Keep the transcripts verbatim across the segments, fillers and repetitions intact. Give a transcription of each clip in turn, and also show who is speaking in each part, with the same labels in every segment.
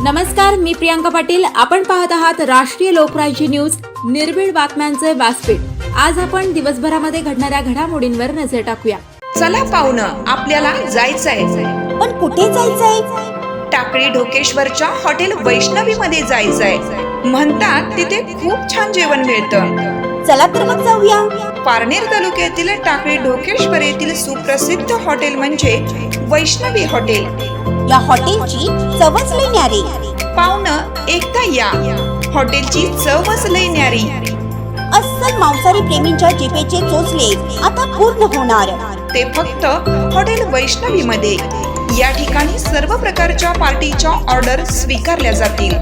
Speaker 1: नमस्कार, मी प्रियांका पाटील. आपण पाहत आहात राष्ट्रीय लोकराज्य न्यूज, निर्भीड बातम्यांचे व्यासपीठ. आज आपण दिवसभरामध्ये घडणाऱ्या घडामोडींवर नजर टाकूया.
Speaker 2: चला पाहुणं, आपल्याला जायचंय.
Speaker 3: पण कुठे जायचंय?
Speaker 2: टाकळी ढोकेश्वरच्या हॉटेल वैष्णवी मध्ये जायचंय. म्हणतात तिथे खूप छान जेवण मिळतं.
Speaker 3: चला तर मग जाऊया.
Speaker 2: पारनेर तालुक्यातील टाकळी ढोकेश्वर येथील सुप्रसिद्ध हॉटेल म्हणजे वैष्णवी हॉटेल.
Speaker 3: या हॉटेलची चवच लई न्यारी.
Speaker 2: पाहुणं, एकदा या. हॉटेलची चवच लई न्यारी.
Speaker 3: अस्सल मांसाहारी प्रेमींच्या जिभेचे चोचले आता पूर्ण होणार.
Speaker 2: ते फक्त हॉटेल वैष्णवी मध्ये. या ठिकाणी सर्व प्रकारच्या पार्टीच्या ऑर्डर स्वीकारल्या जातील.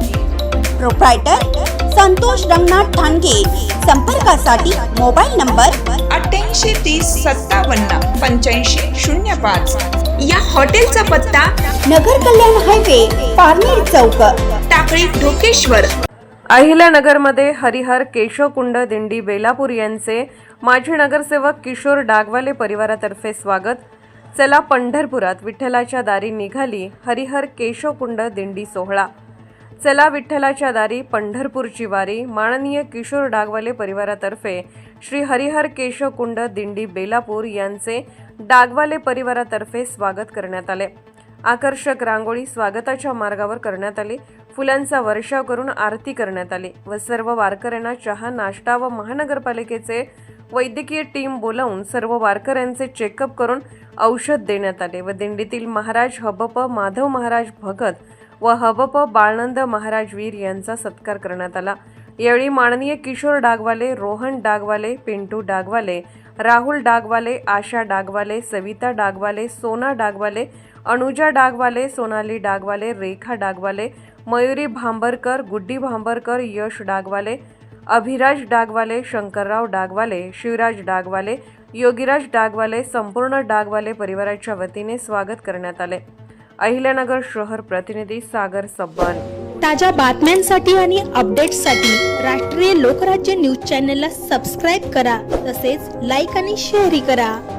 Speaker 3: प्रोप्रायटर संतोष रंगनाथ ठाणगे. संपर्कासाठी मोबाईल नंबर
Speaker 2: अठ्ठ्याऐंशी तीस सत्तावन्न पंच्याऐंशी शून्य पाच. या हॉटेलचा पत्ता
Speaker 3: नगर कल्याण हायवे, पारनेर चौक,
Speaker 2: टाकळी ढोकेश्वर.
Speaker 4: अहिल्यानगरमध्ये हरिहर केशवकुंड दिंडी बेलापूर यांचे माजी नगरसेवक किशोर डागवाले परिवारातर्फे स्वागत. चला पंढरपुरात विठ्ठलाच्या दारी निघाली हरिहर केशवकुंड दिंडी सोहळा. चला विठ्ठलाच्या दारी पंढरपूरची वारी. माननीय किशोर डागवाले परिवारातर्फे श्री हरिहर केशवकुंड दिंडी बेलापूर यांचे डागवाले परिवारातर्फे स्वागत करण्यात आले. आकर्षक रांगोळी स्वागताच्या मार्गावर करण्यात आली. फुलांचा वर्षाव करून आरती करण्यात आली व सर्व वारकऱ्यांना चहा, नाश्ता व महानगरपालिकेचे वैद्यकीय टीम बोलावून सर्व वारकऱ्यांचे चेकअप करून औषध देण्यात आले व दिंडीतील महाराज हबप माधव महाराज भगत व हबप बाळनंद महाराज वीर यांचा सत्कार करण्यात आला. यावेळी माननीय किशोर डागवाले, रोहन डागवाले, पिंटू डागवाले, राहुल डागवाले, आशा डागवाले, सविता डागवाले, सोना डागवाले, अनुजा डागवाले, सोनाली डागवाले, रेखा डागवाले, मयुरी भांबरकर, गुड्डी भांबरकर, यश डागवाले, अभिराज डागवाले, शंकरराव डागवाले, शिवराज डागवाले, योगीराज डागवाले, संपूर्ण डागवाले परिवाराच्या वतीने स्वागत करण्यात आले. अहिल्यानगर शहर प्रतिनिधी सागर सब्बान.
Speaker 5: ताज्या बातम्यांसाठी आणि अपडेट्ससाठी राष्ट्रीय लोकराज्य न्यूज चॅनलला सबस्क्राईब करा. तसेच लाईक आणि शेअरही करा.